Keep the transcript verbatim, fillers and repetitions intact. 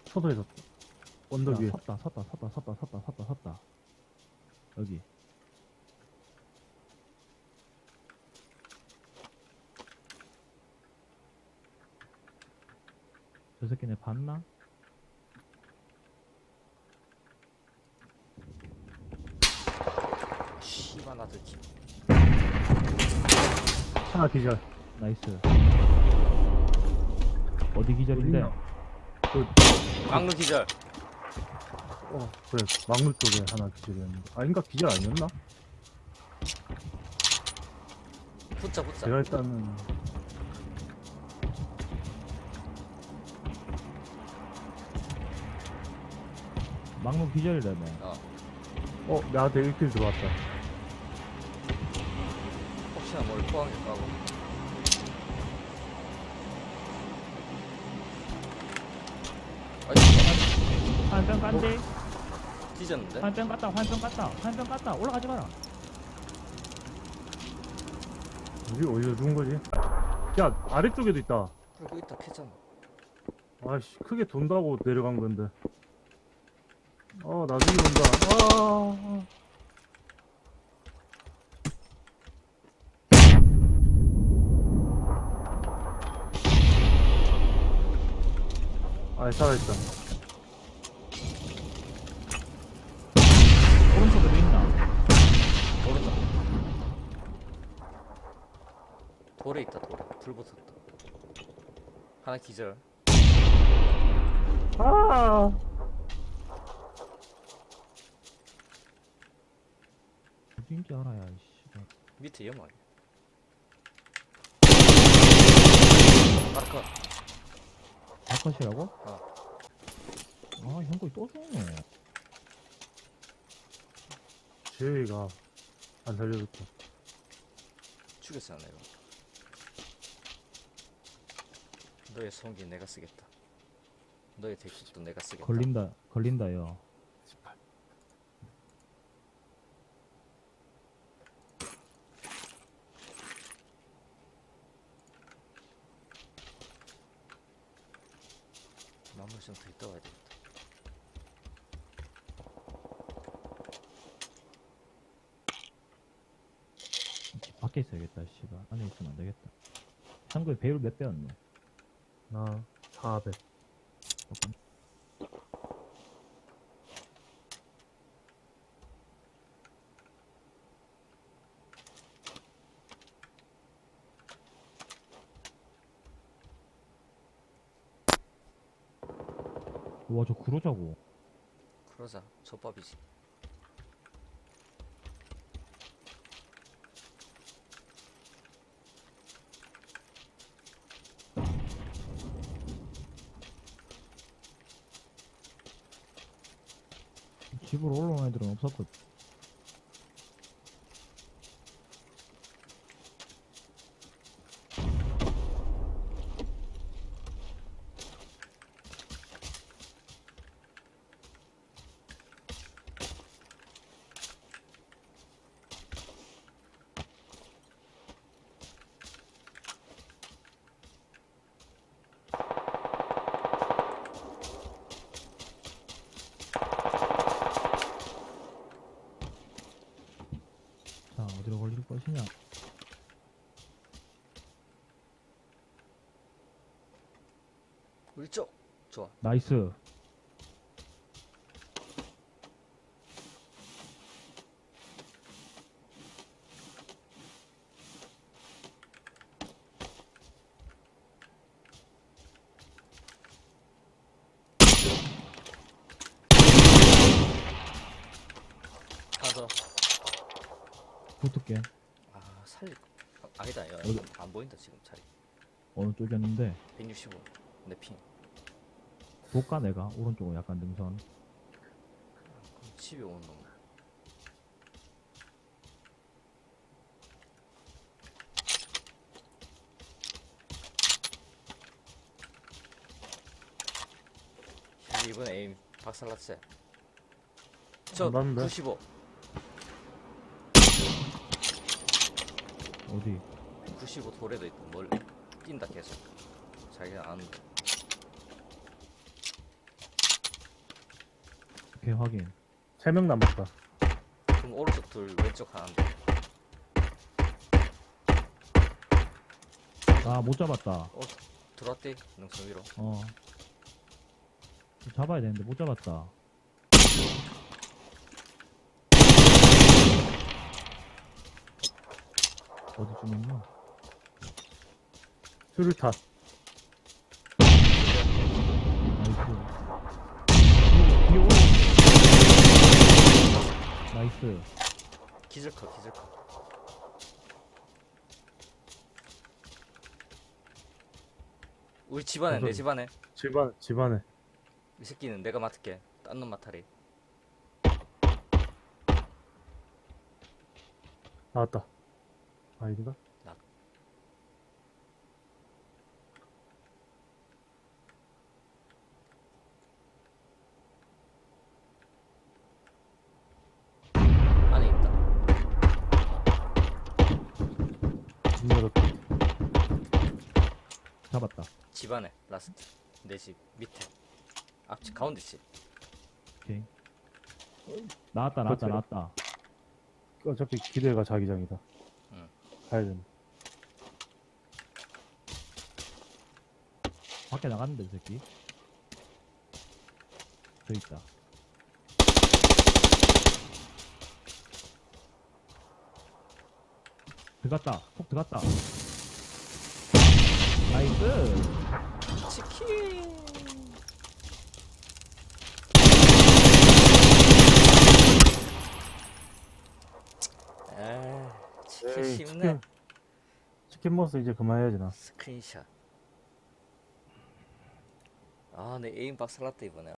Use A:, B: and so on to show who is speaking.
A: 서서에서 언덕 위에.
B: 섰다 섰다 섰다 섰다 섰다 섰다 섰다 여기. 저 새끼네 봤나?
C: 씨발 나들 기
A: 하나 기절.
B: 나이스. 어디 기절인데?
A: 어딨냐? 그,
C: 막루 기절.
A: 어, 그래. 막물 쪽에 하나 기절이었는데. 아, 인가 기절 아니었나?
C: 붙자 붙자.
A: 제가 일단은.
B: 막무 기절이라며.
C: 어.
A: 어, 나한테 일 킬 들어왔다.
C: 혹시나 뭘 포항에 까고. 아이
B: 화염병 깐데?
C: 뒤졌는데?
B: 화염병 깠다 화염병 깠다 화염병 깠다. 올라가지 마라.
A: 어디, 어디서 죽은 거지? 야, 아래쪽에도 있다.
C: 그리고 있다 캐잖아.
A: 아이씨, 크게 돈다고 내려간 건데. 어, 나중에 온다. 아. 아, 살아있다.
B: 오른쪽에도 있나?
C: 모른다. 돌에 있다 돌에. 불 붙었다. 하나 기절.
A: 아.
B: 어딘지 알아야 씨발.
C: 밑에 염화 아니야? 아까
B: 바깥이라고?
C: 어.
B: 아 형거 또 쏘네.
A: 제이가 안 살려줬다.
C: 죽였어 내가. 너의 성기 내가 쓰겠다. 너의 대킥도 내가 쓰겠다.
B: 걸린다 걸린다요.
C: 마무리 좀더 있다 와야 되겠다.
B: 밖에 있어야겠다 씨발. 안에 있으면 안 되겠다. 참고에 배율 몇 배였노?
A: 나 사백.
B: 와 저 그러자고.
C: 그러자 젖밥이지.
B: 집으로 올라온 애들은 없었거든. 자 어디로 걸릴 것이냐.
C: 우리 쪽 좋아.
B: 나이스.
C: 하나 더.
B: 붙을게.
C: 아 살리. 아, 아니다. 야,
B: 어디?
C: 안 보인다 지금 자리.
B: 어느 쪽이었는데
C: 백육십오. 내 핑.
B: 볼까 내가 오른쪽으로 약간 능선.
C: 집에 오는 놈. 이번 에임 박살났어요. 저
A: 안 났는데?
C: 구십오.
B: 어디?
C: 구십오 돌에도 있다. 뭘 뛴다 계속. 자기가 아는데.
B: 오케이, 확인.
A: 세 명 남았다.
C: 그럼 오른쪽 둘, 왼쪽 하나인데.
B: 아, 못 잡았다.
C: 어, 들어왔대? 능선 위로.
B: 어. 잡아야 되는데 못 잡았다. 어디쯤 있나?
A: 수류탄.
B: 나이스. 뒤에 오른. 나이스.
C: 기절컷, 기절컷. 우리 집안에, 내
A: 무슨-
C: 집안에.
A: 집안, 집안에.
C: 이 새끼는 내가 맡을게. 딴 놈 맡아리.
A: 나왔다. 아닌가?
C: 나. 안에 있다.
A: 문 열었다.
B: 잡았다.
C: 집안에, 라스트. 내 집 밑에. 앞집, 가운데 집.
B: 오케이. 나왔다, 나왔다,
A: 그렇지.
B: 나왔다.
A: 어차피 기대가 자기장이다.
C: 응.
A: 가야 된다.
B: 밖에 나갔는데, 이 새끼. 저 있다. 들어갔다. 폭 들어갔다. 나이스.
C: 치킨! 아, 치킨
A: 에이,
C: 쉽네.
A: 치킨, 치킨 먹어서 이제 그만해야지, 나.
C: 스크린샷. 아, 내 에임 박살났다, 이번에.